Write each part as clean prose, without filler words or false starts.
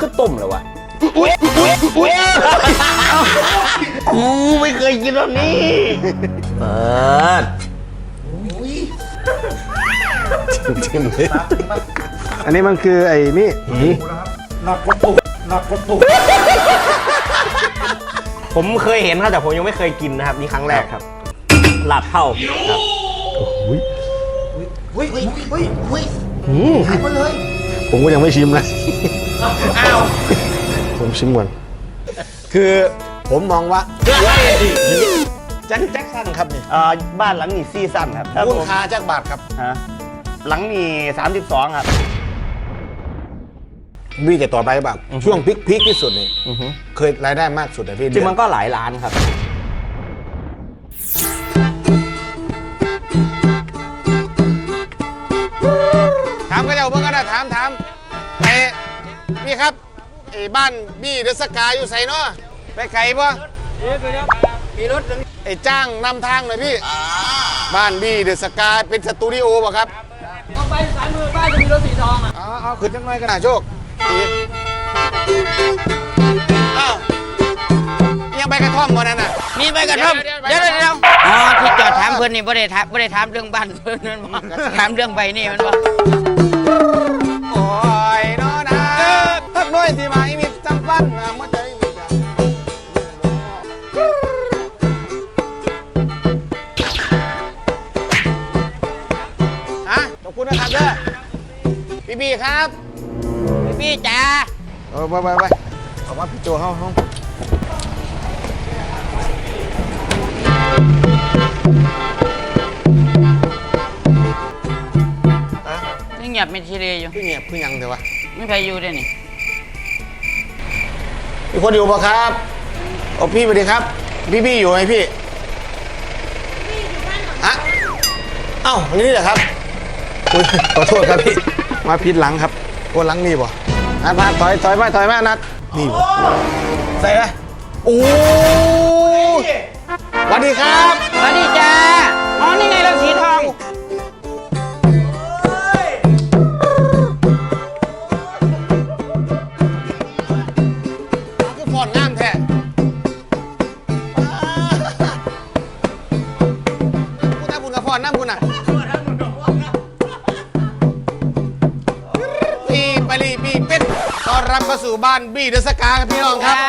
คือต้มเหรอวะกูไม่เคยกินแบบนี้เปิดจิ้มเลยอันนี้มันคือไอ้นี่นักกระปุกผมเคยเห็นครับแต่ผมยังไม่เคยกินนะครับนี่ครั้งแรกครับลาบเท่าครับหายหมดเลยผมก็ยังไม่ชิมนะผมชิมก่อนคือผมมองว่าแจ็คสันครับนี่บ้านหลังนี้ซีซั่นครับมูลค่าจากบาทครับฮะหลังนี้32ครับพี่จะต่อไปแบบช่วงพีคที่สุดนี่เคยรายได้มากสุดแต่พี่จริงมันก็หลายล้านครับถามก็จะเพิ่งก็ได้ถามไอ้พี่ครับไอ้บ้านบี้เดอะสกายอยู่ไสเนาะไปไกลปะมีรถไอ้จ้างนำทางหน่อยพี่บ้านบี้เดอะสกายเป็นสตูดิโอป่ะครับต้องไปสายมือบ้านจะมีรถสีทองอ่ะเอาขึ้นจังหน่อยกันนะโชคอ้าวยังไปกระท่อมก่อนนั่นน่ะมีใบกระท่อมเดี๋ยวอ๋อที่จอดถามเพื่อนนี่ไม่ได้ถามเรื่องบ้านเพื่อนนั่นถามเรื่องใบนี่มันว่าโอ้ยน้อนะทักน้อยที่มาอีมิจำปั้นนะมั่วใจขอบคุณนะครับเด้อพี่ครับพี่จ๋าไปเอามาพี่โจห้องนี่เงียบไม่ทีเดียวอยู่พี่เงียบพี่ยังเดี๋ยววะไม่ใครอยู่ด้วยนี่มีคนอยู่ปะครับโอ้พี่สวัสดีครับพี่อยู่ไหมพี่อะเอ้าวันนี้เหรอครับขอโทษครับพี่มาผิดหลังครับโอ้หลังนี่บ่พาถอยมานัดนี่บ่ใส่ไหมโอ้สวัสดีครับสวัสดีจ้าอ๋อนี่ไงเราสีทองคือฟอนงามแท้คุณตาบุญกับฟอนน้ำคุณอ่ะปีเป็ดต้อนรับเข้าสู่บ้านบี้เดอะสกาครับพี่น้องครับ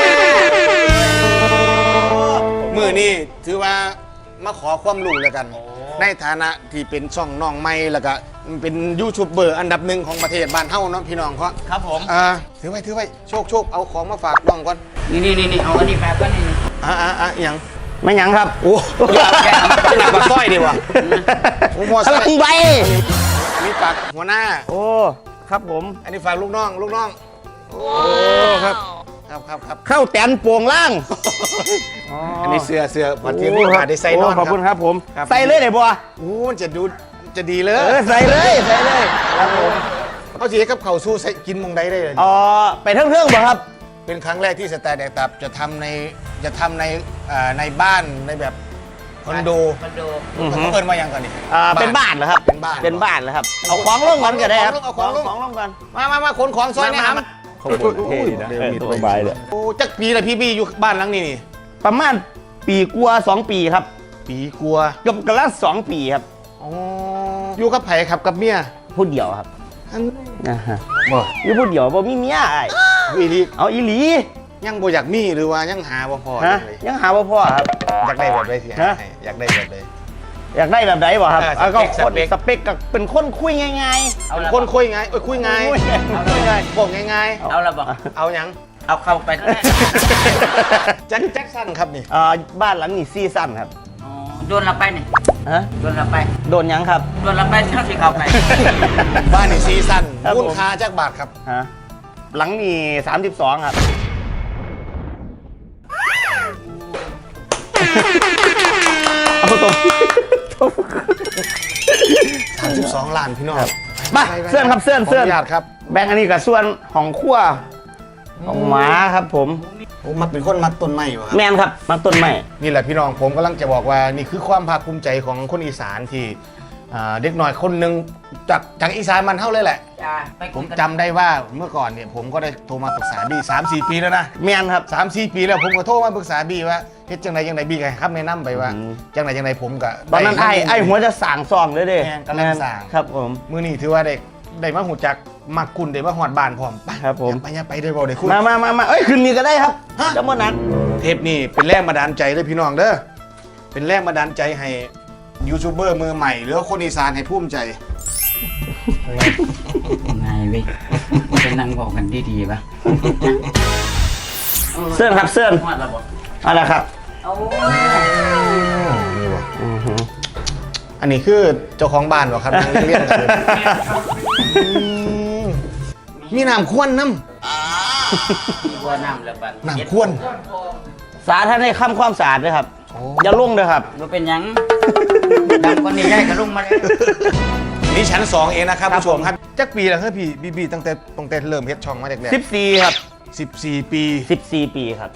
มือนี่ถือว่ามาขอความรู้แล้วกัน ในฐานะที่เป็นช่องน้องใหม่แล้วก็เป็นยูทูบเบอร์อันดับหนึ่งของประเทศบ้านเฮาเนาะพี่น้องเขาครับผมถือไว้โชคเอาของมาฝากน้องก่อนนี่เอาอันนี้แฟบก็นี่อย่างไม่ยังครับโอ้ยหนักกว่าสร้อยดีว่ะโอ้โหพลังใบอันนี้ฝากหัวหน้าโอ้ครับผมอันนี้ฝากลูกน้องโอ้ครับเข้าแตนปวงล่างอันนี้เสื้อวันที่พี่ผ่าได้ใส่นอนขอบคุณครับผมใส่เลยไหนบัวโอ้มันจะดีเลยใส่เลยครับผมเขาจีกับเข่าสู้ใส่กินมงได้เลยไปเรื่องบ่ครับเป็นครั้งแรกที่สแตนด์แดกตับจะทำในบ้านในแบบคอนโดเขาเปิดมาอย่างก่อนนี่เป็นบ้านเหรอครับเป็นบ้านเหรอครับเอาของลงก่อนก็ได้ครับเอาของลงก่อนมาขนของซอยนะครับขบวนเท่ดีนะสบายเลยโอ้จักปีละพี่อยู่บ้านหลังนี้นี่ประมาณปีกลัว2 ปีครับปีกลัวกับกระละ2 ปีครับอยู่กับไผ่ครับกับเมียผู้เดียวครับบ่อยู่ผู้เดียวบ่มีเมียไอ้อีลีเอาอีหลียังบ่อยากมีหรือว่ายังหาบ่พอยังหาบ่พอครับอยากได้แบบไหนสิอยากได้แบบไหนบ่ครับก็คนสเปคกับเป็นคนคุยง่ายๆเอาคนคุยง่ายคุยง่ายบอกง่ายๆเอาละบอกเอายังเอาเข้าไปแจ็คสันครับนี่บ้านหลังนี้ซีซั่นครับโดนเราไปนี่โดนเราไปโดนยังครับโดนเราไปเท่าที่เข้าไปบ้านนี่ซีซั่นมูลค่าจากบาทครับหลังนี้32ครับเอาตรง 32 ล้านพี่น้องมาเสื้อครับเสื้อครับแบงค์อันนี้กับส่วนของขั้วของหมาครับผมมักเป็นคนมักต้นไม้วะแมนครับมักต้นไม้นี่แหละพี่น้องผมกำลังจะบอกว่านี่คือความภาคภูมิใจของคนอีสานที่เด็กหน่อยคนหนึ่งจากอีสานมันเท่าเลยแหละจ้าไปผมจำได้ว่าเมื่อก่อนเนี่ยผมก็ได้โทรมาปรึกษาบี้3-4 ปีแล้วนะแม่นครับ 3-4 ปีแล้วผมก็โทรมาปรึกษาบี้ว่าเฮ็ดจังไดบี้ก็ให้คำแนะนำไปว่าจังไดผมก็ตอนนั้นไอ้หัวจะสั่งซองเลยเด้แม่นกำลังสั่งครับผมมื้อนี้ถือว่าได้มาหูจักมักคุณได้มาฮอดบ้านพร้อมไปครับผมไปได้บ่ได้คุณมาเอ้ยคืนนี้ก็ได้ครับจะมานัดเทปนี้เป็นแรงบันดาลใจเลยพี่น้องเด้อเป็นแรงบันดาลใจให้ยูทูบเบอร์มือใหม่หรือว่าคนอีสานให้ภูมิใจไงเว้ยเป็นนั่งบอกกันดีๆป่ะเสื้อครับเสื้อฮอดแล้วบ่อะไรครับเอานี่บ่อันนี้คือเจ้าของบ้านบ่ครับนั่งเรียนกันเลยมีน้ำข้วนน้บัวน้ำแล้วบัดำน้ำข้วนสาธารณะความสะอาดด้วยครับโอ้อย่าลุ่งเลยครับบ่เป็นหยังดังกว่านี้ได้ก็ลงมาเลยนี่ชั้น2เองนะครับผู้ชมครับจักปีแล้วครับพี่บีตั้งแต่เริ่มเฮ็ดช่องมาแรก 14ครับๆ14 ปี 14 ปีครับ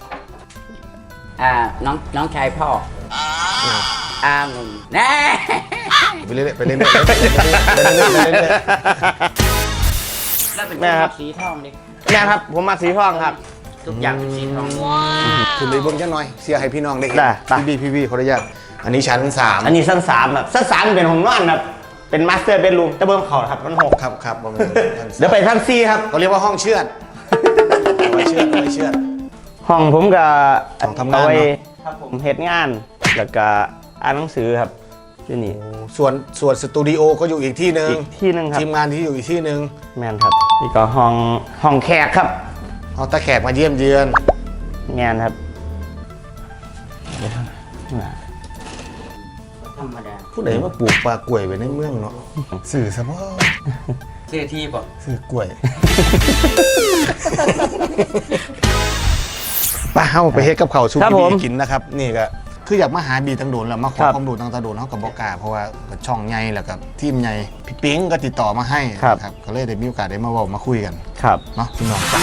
น้องชายพ่องุ่มแน่ไปเรื่อยๆไปเรื่อยๆไปเรื่อยแล้วเป็นแม่ครับสีทองดิแม่ครับผมมาสีทองครับทุกอย่างเป็นสีทองๆคุณเลยเบิ่งจังหน่อยเสียให้พี่น้องได้เห็นได้ไปพี่บีขออนุญาตอันนี้ชั้น3 อันนี้ชั้น3ครับชั้น3เป็นห้องนอนครับเป็นมาสเตอร์เบดรูมแต่เบิ้งเขาครับมัน6 ครับประมาณเดี๋ยวไปชั้น4ครับเขาเรียกว่าห้องเชือดเอาไว้เชือดเอาไว้เชือดห้องผมกับห้องทำงานเนอะเอไว้ครับผมเฮ็ดงานแล้วก็อ่านหนังสือครับที่นี่ส่วนสตูดิโอก็อยู่อีกที่หนึ่งอีกที่หนึงครับทีมงานที่อยู่อีกที่หนึ่งแมนครับนี่ก็ห้องแขกครับเอาตาแขกมาเยี่ยมเยือนแมนครับธรรมดาผู้ใดมาปลูกปลากล้วยไว้ในเมืองเนาะสื่อซะบ่เสื้อที่บ่สื่อกล้วยป้าเฮาไปเฮ็ดกับข้าวสู้ครับพี่ผมบีกินนะครับนี่ก็คืออยากมาหาบีตังโดนแล้วมาขอครับความรู้ตังตาโดนเฮากับบ่กล้าเพราะว่าก็ช่องใหญ่แล้วก็ทีมใหญ่พี่ปิ๊งก็ติดต่อมาให้ครับนะครับก็เลยได้มีโอกาสได้มาเว้ามาคุยกันครับเนาะพี่น้องจ้ะ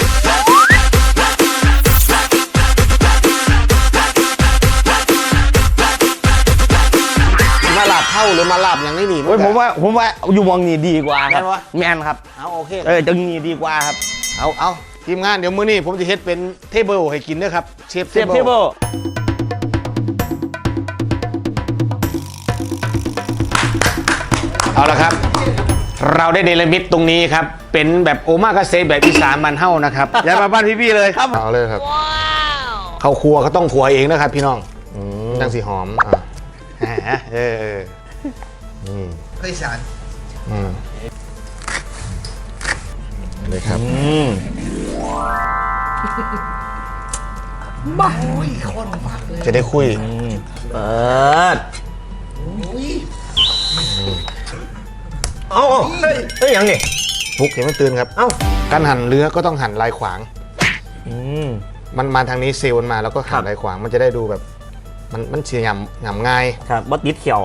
มาลาบเท่าหรือมาลาบอย่างนี้นี่โอ้ยผมว่าอยู่มองนี่ดีกว่าครับแม่นวะแมนครับเอาโอเคจังนี่ดีกว่าครับเอาทีมงานเดี๋ยวมื้อนี้ผมจะเฮ็ดเป็นเทเบิลให้กินด้วยครับเชฟเซฟเทเบิลเอาละครับ เราได้เดลมิตตรงนี้ครับ เป็นแบบโอมากาเซแบบอีสานมันเฮ้านะครับย้ายมาบ้านพี่ๆเลยครับเอาเลยครับเข้าครัวก็ต้องครัวเองนะครับพี่น้องจังสีหอมเคยสารเลยครับจะได้คุยเปิดเอาเฮ้ยยังนี่ฟุกเห็นมันตื่นครับเอ้าการหั่นเนื้อก็ต้องหั่นลายขวางมมันมาทางนี้เซลล์มันมาแล้วก็หั่นลายขวางมันจะได้ดูแบบมันเสียหยำง่ายครับบอสติดเขียว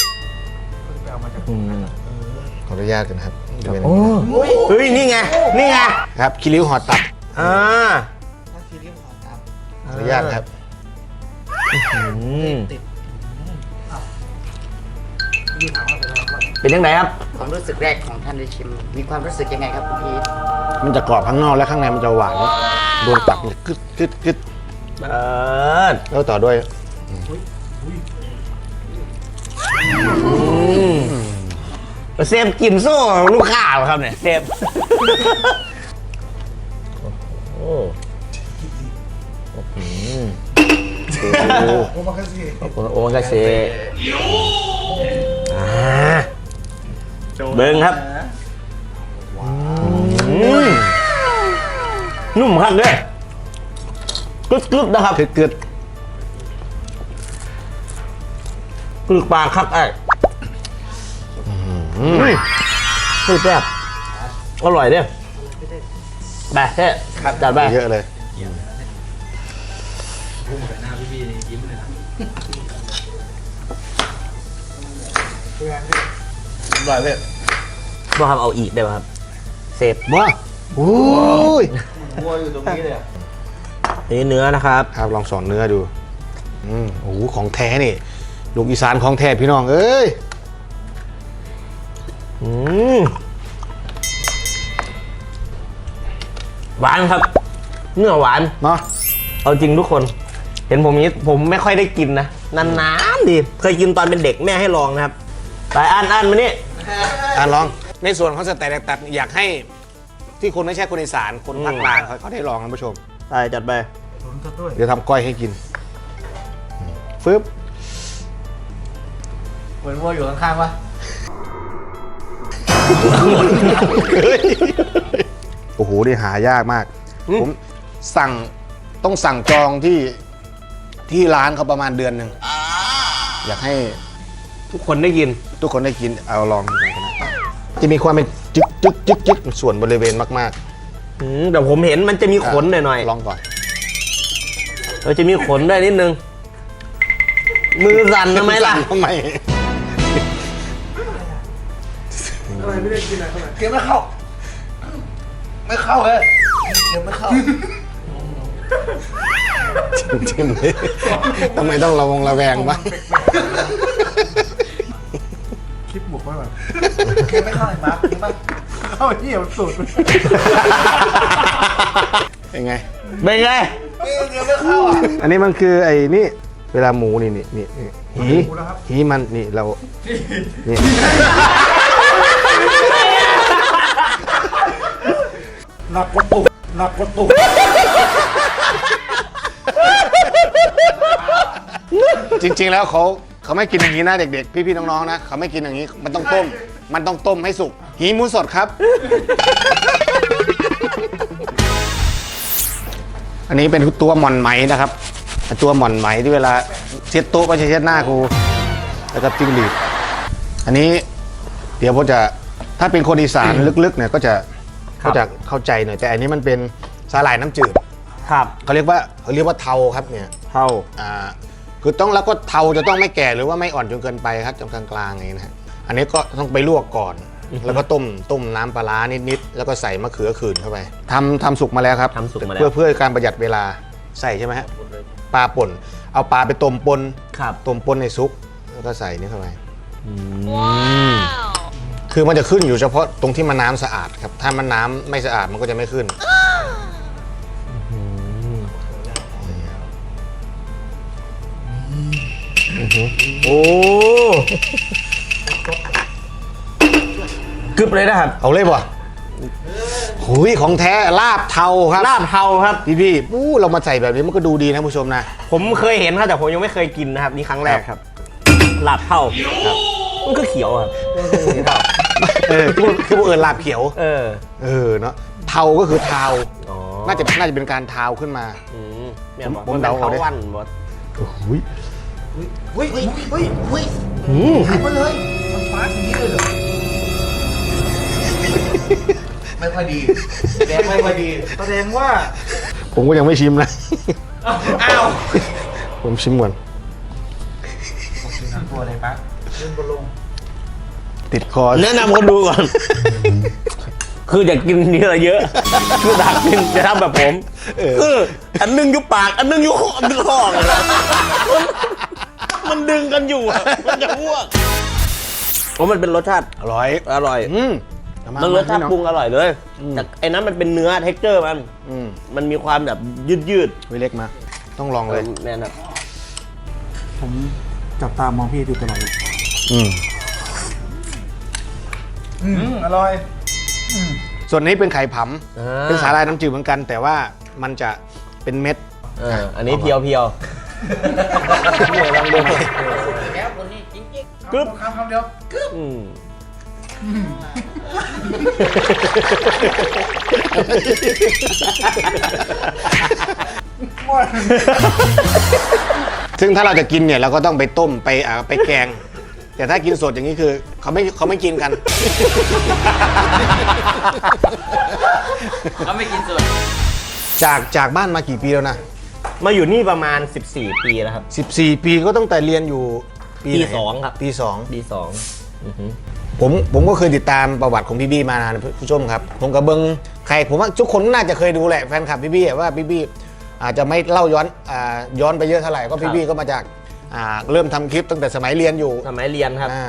ขออนุญาตกันครับจะเป็นเฮ้ยนี่ไงนี่ไงครับคิริ้วห่อตับอ่าขออนุญาตครับเป็นยังไงครับความรู้สึกแรกของท่านได้ชิม มีความรู้สึกยังไงครับคุณพีทมันจะกรอบข้างนอกและข้างในมันจะหวานโดนตับเนี่ยกึดกึดกึดเปิดแล้วต่อด้วยเซฟกินโซ่ลูกค้าเหรอครับเนี่ยเซฟโอมากาเซเบิ้งครับนุ่มครับเนี่ยกรึบๆนะครับกึดกึดกรึบปากครับไอ้กรึบแบบอร่อยเนี่ยไปเท่จัดไปเยอะเลยอร่อยเลยบ่ครับเอาอีกได้ป่ะครับเซฟว้าโอ้ยนี่เนื้อนะครับครับลองสอนเนื้อดูโอ้โหของแท้นี่ลูกอีสานของแท้พี่น้องเอ้ยอืมหวานครับ เนื้อหวานเนาะเอาจริงทุกคน เห็นผมนี้ผมไม่ค่อยได้กินนะนานๆดิเคยกินตอนเป็นเด็กแม่ให้ลองนะครับไปอ่านมานี่ลองในส่วนของสเต็กตัดอยากให้ที่คนไม่ใช่คนอีสานคนภาคกลางเขาได้ลองนะผู้ชมไปจัดไปเดี๋ยวทำก้อยให้กินฟึบเหมือนวัวอยู่ข้างๆวะโอ้โหนี่หายากมาก ผมต้องสั่งจองที่ร้านเขาประมาณเดือนหนึ่งอยากให้ทุกคนได้กินทุกคนได้กินเอาลองดูกันนะจะมีความเป็นจึ๊กจึ๊กจึ๊กจึ๊กส่วนบริเวณมากแต่ผมเห็นมันจะมีๆขนหน่อยลองก่อนๆเราจะมีขนได้นิดนึง มือสั่นทำไมล่ะทำไมเกมไม่เข้า ไม่เข้าเลยเกมไม่เข้าจิ้มเลยทำไมต้องระแวงบ้างคลิปบุกไว้แบบเกมไม่เข้าไอ้มาร์คเกมเข้าไอ้ที่มันสุดเป็นไงเป็นไงเกมไม่เข้าอ่ะอันนี้มันคือไอ้นี่เวลาหมูนี่หีมันนี่เรานี่หนักกว่าตุกหนักกว่าตุกจริงๆแล้วเขาไม่กินอย่างนี้นะเด็กๆพี่ๆน้องๆนะเขาไม่กินอย่างนี้มันต้องต้มให้สุกหีหมูสดครับ อันนี้เป็นตัวหม่อนไหมนะครับตัวหม่อนไหมที่เวลาเช็ดโต๊ะไม่ใช่เช็ดหน้าครูแล้วก็จิ้งหรีดอันนี้เดี๋ยวผมจะถ้าเป็นคนอีสานลึกๆเนี่ยก็จะเข้าใจหน่อยแต่อันนี้มันเป็นสาหร่ายน้ำจืดครับเขาเรียกว่าเทาครับเนี่ยเท่าคือต้องแล้วก็เทาจะต้องไม่แก่หรือว่าไม่อ่อนจนเกินไปครับจนกลางๆอย่างนี้นะฮะอันนี้ก็ต้องไปลวกก่อน แล้วก็ต้มน้ำปลาร้านิดๆแล้วก็ใส่มะเขือขื่นเข้าไปทำสุกมาแล้วครับทำสุกมาแล้วเพื่อการประหยัดเวลาใส่ใช่ไหมฮะปลาป่นเอาปลาไปต้มปนครับต้มปนในซุปแล้วก็ใส่นี่เข้าไปคือมันจะขึ้นอยู่เฉพาะตรงที่มันน้ำสะอาดครับถ้ามันน้ำไม่สะอาดมันก็จะไม่ขึ้นโอ้กึบเลยนะครับเอาเลยป่ะหุยของแท้ลาบเทาครับลาบเทาครับพี่เรามาใส่แบบนี้มันก็ดูดีนะผู้ชมนะผมเคยเห็นครับแต่ผมยังไม่เคยกินนะครับนี่ครั้งแรกครับลาบเทาครับมันก็เขียวครับคือพวกลาบเขียว เนาะเทาก็คือเทาอ๋อน่าจะเป็นการเทาขึ้นมาเนี่ยผมมันเดาเป็นเอาเทาดิวันบดหุยเฮ้ยหายไปเลย มันฟาดอย่างนี้เลยเหรอ ไม่ค่อยดีแดงไม่ค่อยดีแสดงว่าผมก็ยังไม่ชิมนะอ้าวผมชิมก่อนตัวอะไรปะเล่นบอลลงติดคอแนะนำคนดูก่อน คืออยากกินเยอะเยอะคืออยากกินจะทำแบบผมคืออันนึงอยู่ปากอันนึงอยู่คอเลยนะมันดึงกันอยู่อะมันจะอ้วกเพราะมันเป็นรสชาติอร่อยอร่อย มันรสชาติปรุงอร่อยเลยแต่ไอ้นั้นมันเป็นเนื้อเท็กเจอร์มันมีความแบบยืดไว้เล็กมา ต้องลองเลยแน่นอนผมจับตามองพี่ดูตลอดเลยอร่อยส่วนนี้เป็นไข่ผำเป็นสาหร่ายน้ำจืดเหมือนกัน แต่ว่ามันจะเป็นเม็ดอันนี้เพียวเนี่ยลองดูแล้วคนนี้จริงกึ๊บคำเดียวกึ๊บซึ่งถ้าเราจะกินเนี่ยเราก็ต้องไปต้มไปแกง แต่ถ้ากินสดอย่างนี้คือเขาไม่กินกันเขาไม่กินส่วนจากบ้านมากี่ปีแล้วนะมาอยู่นี่ประมาณ14 ปีแล้วครับ 14 ปีก็ตั้งแต่เรียนอยู่ไหนปีสองครับปีสองปีสองผมก็เคยติดตามประวัติของพี่บี้มานานผู้ชมครับ ผมกับเบิงใครผมว่าทุกคนน่าจะเคยดูแหละแฟนคลับพี่บี้ว่าพี่บี้อาจจะไม่เล่าย้อนไปเยอะเท่าไหร่ก็พี่บี้ก็มาจากเริ่มทำคลิปตั้งแต่สมัยเรียนอยู่สมัยเรียนครับ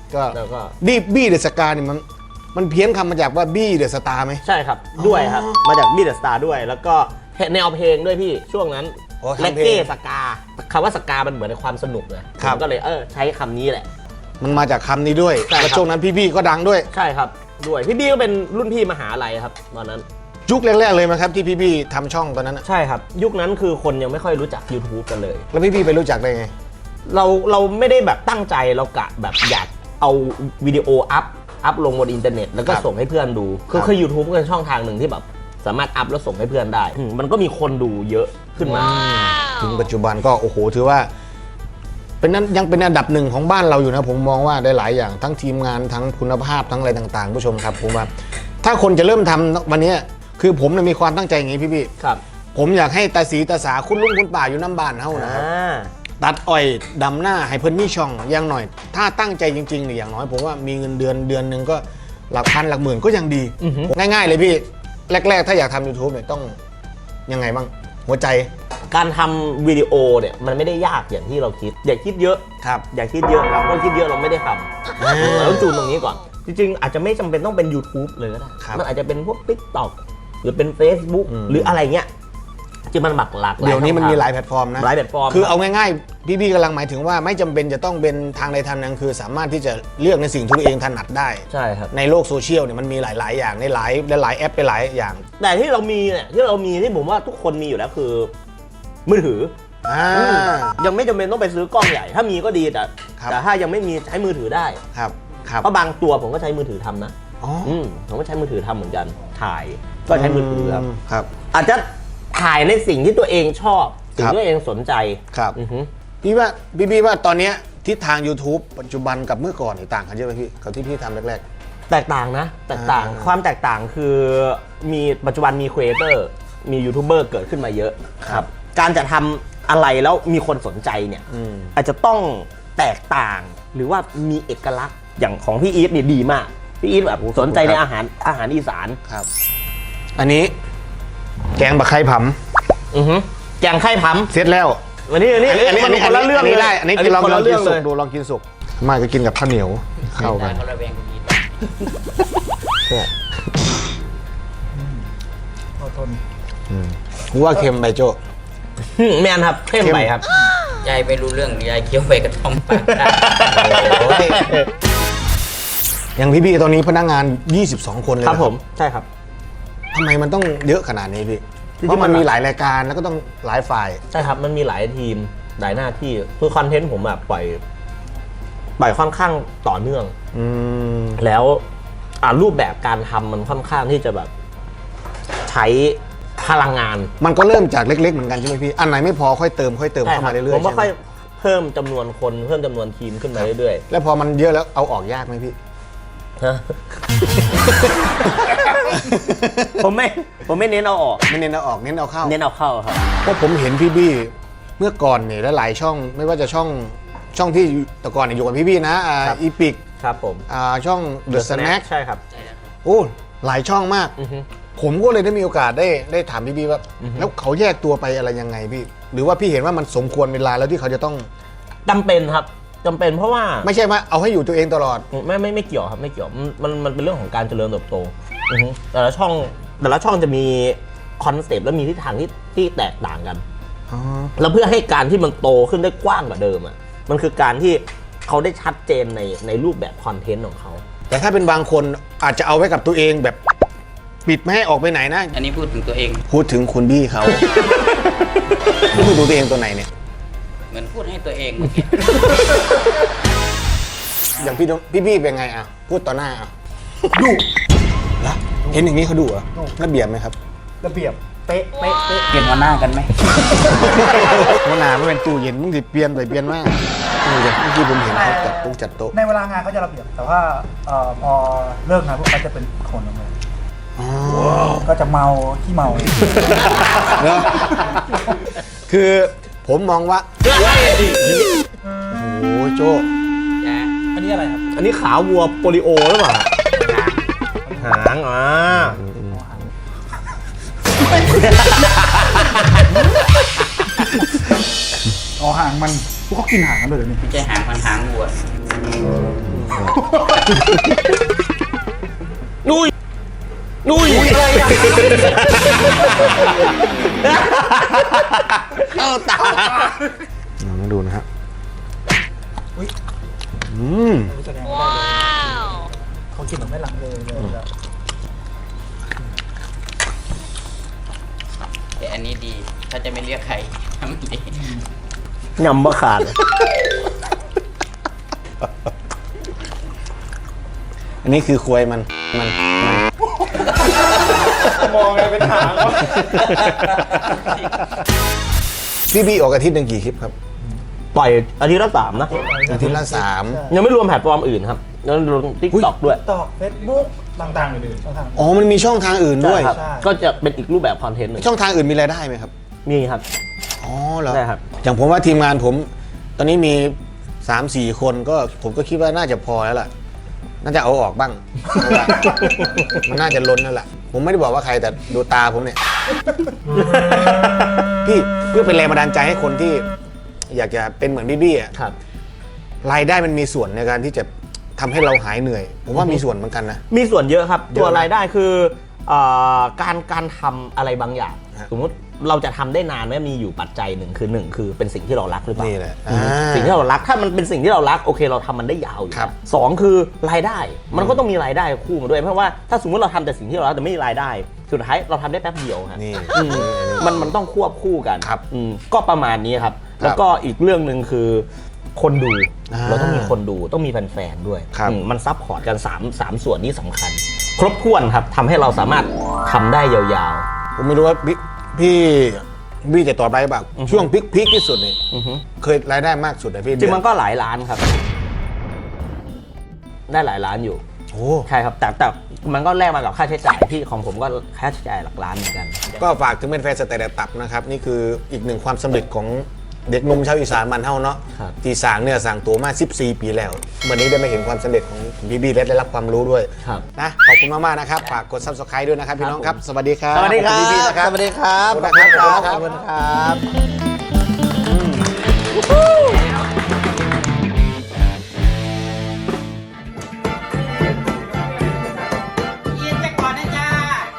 ก็แล้วก็บี้เดอะสกาเนี่ยมันเพี้ยนคำมาจากว่าบี้เดอะสตาร์ไหมใช่ครับด้วยครับมาจากบีเดอะสตาร์ด้วยแล้วก็แนวเพลงด้วยพี่ช่วงนั้นโอ้ทำเลเพลงเก้สกาคำว่าสกามันเหมือนในความสนุกเลยครับผมก็เลยใช้คำนี้แหละมันมาจากคำนี้ด้วยใช่ครับแล้วช่วงนั้นพี่ๆก็ดังด้วยใช่ครับด้วยพี่บี้ก็เป็นรุ่นพี่มหาลัยครับตอนนั้นยุคแรกๆเลยไหมครับที่พี่ๆทำช่องตอนนั้นน่ะใช่ครับยุคนั้นคือคนยังไม่ค่อยรู้จัก YouTube กันเลยแล้วพี่ๆไปรู้จักได้ไงเราไม่ได้แบบตั้งใจเรากะแบบอยากเอาวิดีโออัพลงบนอินเทอร์เน็ตแล้วก็ครับส่งให้เพื่อนดูคือ YouTube ก็เป็นช่องทางหนึ่งที่แบบสามารถอัพแล้วส่งให้เพื่อนได้มันก็มีคนดูเยอะขึ้นมาถึงปัจจุบันก็โอ้โหถือว่าเป็นนั้นยังเป็นอันดับหนึ่งของบ้านเราอยู่นะผมมองว่าได้หลายอย่างทั้งทีมงานทั้งคุณภาพทั้งอะไรต่างๆผู้ชมครับผมว่าถ้าคนจะเริ่มทำวันนี้คือผมเนี่ยมีความตั้งใจอย่างนี้พี่ครับๆผมอยากให้ตาสีตาสาคุณลุงคุณป่าอยู่น้ำบ้านเฮานะครับตัดอ้อยดำหน้าให้เพิ่นมีช่องอย่างหน่อย ถ้าตั้งใจจริงๆเนี่ยอย่างน้อยผมว่ามีเงินเดือนหนึ่งก็หลักพันหลักหมื่นก็ยังดีอือฮึง่ายๆเลยพี่แรกๆถ้าอยากทำ YouTube เนี่ยต้องยังไงบ้างหัวใจการทำวิดีโอเนี่ยมันไม่ได้ยากอย่างที่เราคิดอย่าคิดเยอะครับอย่าคิดเยอะครับเพราะคิดเยอะเราไม่ได้ทำแล้วจูนตรงนี้ก่อน จริงๆอาจจะไม่จำเป็นต้องเป็น YouTube เลยก็ได้ครับมันอาจจะเป็นพวก TikTok หรือเป็น Facebook หรืออะไรเงี้ยที่มันหลากหลายเดี๋ยวนี้มันมีหลายช่องแพลตฟอร์มนะหลายแพลตฟอร์มคือเอาง่ายๆพี่ๆกำลังหมายถึงว่าไม่จำเป็นจะต้องเป็นทางใดทางหนึ่งคือสามารถที่จะเลือกในสิ่งที่ตัวเองถนัดได้ใช่ครับในโลกโซเชียลเนี่ยมันมีหลายๆอย่างในหลายแอปไปหลายอย่างแต่ที่เรามีเนี่ยที่ผมว่าทุกคนมีอยู่แล้วคือมือถือ ยังไม่จำเป็นต้องไปซื้อกล้องใหญ่ ถ้ามีก็ดีแต่ครับแต่ถ้ายังไม่มีใช้มือถือได้ครับครับเพราะบางตัวผมก็ใช้มือถือทำนะอ๋อผมก็ใช้มือถือทำเหมือนกันถ่ายก็ใช้มือถือครับครับอาจจะถ่ายในสิ่งที่ตัวเองชอบสิ่งครับที่ตัวเองสนใจครับอือฮึพี่ว่าตอนเนี้ยทิศทาง YouTube ปัจจุบันกับเมื่อก่อนนี่ต่างกันเยอะไหมพี่กับที่พี่ทำแรกแตกต่างนะแตกต่างความแตกต่างคือมีปัจจุบันมีครีเอเตอร์มียูทูบเบอร์เกิดขึ้นมาเยอะครับการจะทำอะไรแล้วมีคนสนใจเนี่ย อาจจะต้องแตกต่างหรือว่ามีเอกลักษณ์อย่างของพี่อีทนี่ดีมากพี่อีทแบบสนใจในอาหารอีสานๆครับ อันนี้แกงบะไข่ผำแกงไข่พัมเสร็จแล้ววันนี้มันคนละเรื่องเลยได้อันนี้กินลองคนละกิเรื่นองสุเลกยดูลองกินสุกมาจะกินกับข้าวเหนียวเข้ากันเขาระแวงกูอีกเอาทนกูว่าเค็มไปโจ้แมนครับเข้มไปครับยายไม่รู้เรื่องยายเคี้ยวไปกระท่อมปากได้อย่างพี่ๆตอนนี้พนักงาน 22 คนเลยคนะรับผมใช่ครับทำไมมันต้องเยอะขนาดนี้พี่จริงๆเพราะมันมันมีหลายรายการแล้วก็ต้องหลายฝ่ายใช่ครับมันมีหลายทีมหลายหน้าที่คือคอนเทนต์ผมแบบปล่อยค่อนข้างต่อเนื่อง แล้วรูปแบบการทำมันค่อนข้างที่จะแบบใช้พลังงานมันก็เริ่มจากเล็กๆเหมือนกันใช่ไหมพี่ อันไหนไม่พอค่อยเติมเข้ามาเรื่อยๆผมก็ใช่ไหมค่อยเพิ่มจำนวนคนเพิ่มจำนวนทีมขึ้นมาเรื่อยแล้วพอมันเยอะแล้วเอาออกยากไหมพี่ๆฮะ ผมไม่เน้นเอาออกไม่เน้นเอาออกเน้นเอาเข้าเน้นเอาเข้าครับเพราะผมเห็นพี่บี้เมื่อก่อนเนี่ยหลายๆช่องไม่ว่าจะช่องที่แต่ก่อนเนี่ยอยู่กับพี่บี้นะครับอีพิกครับผมช่อง The Snack ใช่ครับโอ้หลายช่องมากอือฮึผมก็เลยได้มีโอกาสได้ถามพี่บี้ว่าแล้วเขาแยกตัวไปอะไรยังไงพี่ หรือว่าพี่เห็นว่ามันสมควรเวลาแล้วที่เขาจะต้องจำเป็นครับจำเป็นเพราะว่าไม่ใช่ว่าเอาให้อยู่ตัวเองตลอดไม่เกี่ยวครับไม่เกี่ยวมันเป็นเรื่องของการเจริญเติบโตอือฮึแต่ละช่องจะมีคอนเซปต์และมีทิศทางที่แตกต่างกัน แล้วเพื่อให้การที่มันโตขึ้นได้กว้างกว่าเดิมอ่ะมันคือการที่เขาได้ชัดเจนในรูปแบบคอนเทนต์ของเขาแต่ถ้าเป็นบางคนอาจจะเอาไว้กับตัวเองแบบปิดไม่ให้ออกไปไหนนะอันนี้พูดถึงตัวเองพูดถึงคุณบี้เขา พูดดูตัวเองตัวไหนเนี่ยเหมือนพูดให้ตัวเองเมื่อกี้อย่างพี่บี้เป็นไงอ่ะพูดต่อหน้าอ่ะดุละเห็นอย่างนี้เขาดุเหรอระเบียบไหมครับระเบียบเป๊ะเป๊ะเป๊ะเปลี่ยนหัวหน้ากันไหมหัวหน้าไม่เป็นตู้เย็นมึงสิเปลี่ยนไปเปลี่ยนมาเมื่อกี้ผมเห็นเขาจัดโต๊ะในเวลางานเขาจะระเบียบ แต่ว่าพอเลิกงานพวกเขาจะเป็นคนละเลยก็จะเมาขี้เมาเนอะคือผมมองว่าโอ้โหโจอันนี้อะไรครับอันนี้ขาวัวโปลิโอหรือเปล่าหางอ๋อหางมันพวกเขากินหางกันเลยเดี๋ยวนี้ไม่ใช่หางมันหางวัวนุ้ยนุ้ยอะไรอ่ะเข้าตามาดูนะครับแสดงว่าเขากินแบบไม่ลังเลยแล้วแต่อันนี้ดี ถ้าจะไม่เรียกใครทำดียำบะขาดอันนี้คือควยมันมองไงเป็นหางแล้วพี่บี้ออกอาทิตย์หนึ่งกี่คลิปครับปล่อยอาทิตย์ละ3นะอาทิตย์ละยังไม่รวมแพลตฟอร์มอื่นครับแล้วรวมทิกตอกด้วยตอกเฟซบุ๊กต่างๆอื่นๆช่องทาง 3อ๋อมันมีช่องทางอื่นด้วยใช่ครับใช่ก็จะเป็นอีกรูปแบบคอนเทนต์หนึ่งช่องทางอื่นมีรายได้ไหมครับมีครับอ๋อเหรอใช่ครับอย่างผมว่าทีมงานผม ตอนนี้มี 3-4 คนก็ผมก็คิดว่าน่าจะพอแล้วล่ะ น่าจะเอาออกบ้างเพราะว่ามันน่าจะล้นแล้วล่ะ ผมไม่ได้บอกว่าใครแต่ดูตาผมเนี่ย พี่เพื่อเป็นแรงบันดาลใจให้คนที่ อยากจะเป็นเหมือนบี้ๆอ่ะครับรายได้มันมีส่วนในการที่จะทำให้เราหายเหนื่อย ผมว่ามีส่วนเหมือนกันนะมีส่วนเยอะครับเยอะตัวรายได้คือการทำอะไรบางอย่างฮะสมมติเราจะทำได้นานเนี่ยมีอยู่ปัจจัยหนึ่งคือเป็นสิ่งที่เรารักหรือเปล่านี่แหละสิ่งที่เรารักถ้ามันเป็นสิ่งที่เรารักโอเคเราทำมันได้ยาวอยู่ครับสองคือรายได้มันก็ต้องมีรายได้คู่มาด้วยเพราะว่าถ้าสมมติเราทำแต่สิ่งที่เรารักแต่ไม่มีรายได้ สุดท้ายเราทำได้แป๊บเดียวฮะนี่อืมมันต้องควบคู่กันครับก็ประมาณนี้ครับ แล้วก็อีกเรื่องหนึ่งคือคนดูอ่าเราต้องมีคนดูต้องมีแฟนๆด้วยครับมันซับพอร์ตกัน3ส่วนนี้สำคัญ ครบถ้วนครับทำให้เราสามารถทำได้ยาวผมไม่รู้ว่าพี่จะตอบได้บ้างช่วงพีคที่สุดนี่ๆอือฮึเคยรายได้มากสุดนะพี่จริงมันก็หลายล้านครับ ได้หลายล้านอยู่โอ้ใช่ครับแต่มันก็แลกมากับค่าใช้จ่ายที่ของผมก็ค่าใช้จ่ายหลักล้านเหมือนกันก็ฝากถึงเป็นแฟนสแตนดาร์ดตับนะครับ นี่คืออีกหนึ่งความสำเร็จของเด็กหนุ่มชาวอีสานมันเท่าเนาะครับที่สร้างเนี่ยสร้างตัวมา 14 ปีแล้ววันนี้ได้มาเห็นความสำเร็จของพี่บี้และได้รับความรู้ด้วยครับนะขอบคุณมากๆนะครับฝากกด subscribe ด้วยนะครับพี่น้องครับ สวัสดีครับสวัสดีครัขอบคุณพี่บี้บนะครับสวัสดีครับขอบคุณนะครับขอบคุณครับยินไปก่อนนะจ้า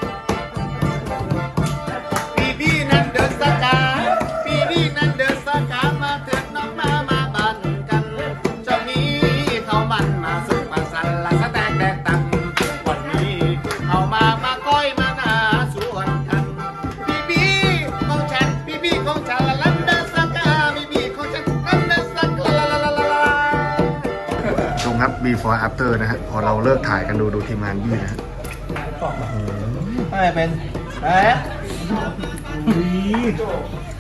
พี่บี้นั้นเดินสกาพี่บี้นั้นเดินสกามาเถิดน้องมาบันกันเจ้านี้เขามันมาสุกมาสันละสแตกแดกตังวันนี้เอามาก้อยมาหน้าสวนกันพี่บี้ของฉันพี่บี้ของฉันละลันเดินสกาพี่บี้ของฉันลันเดินสกาละชมครับ before after นะฮะพอเราเลิกถ่ายกันดูทีมงานบี้นะฮะไม่เป็นแป๊ะ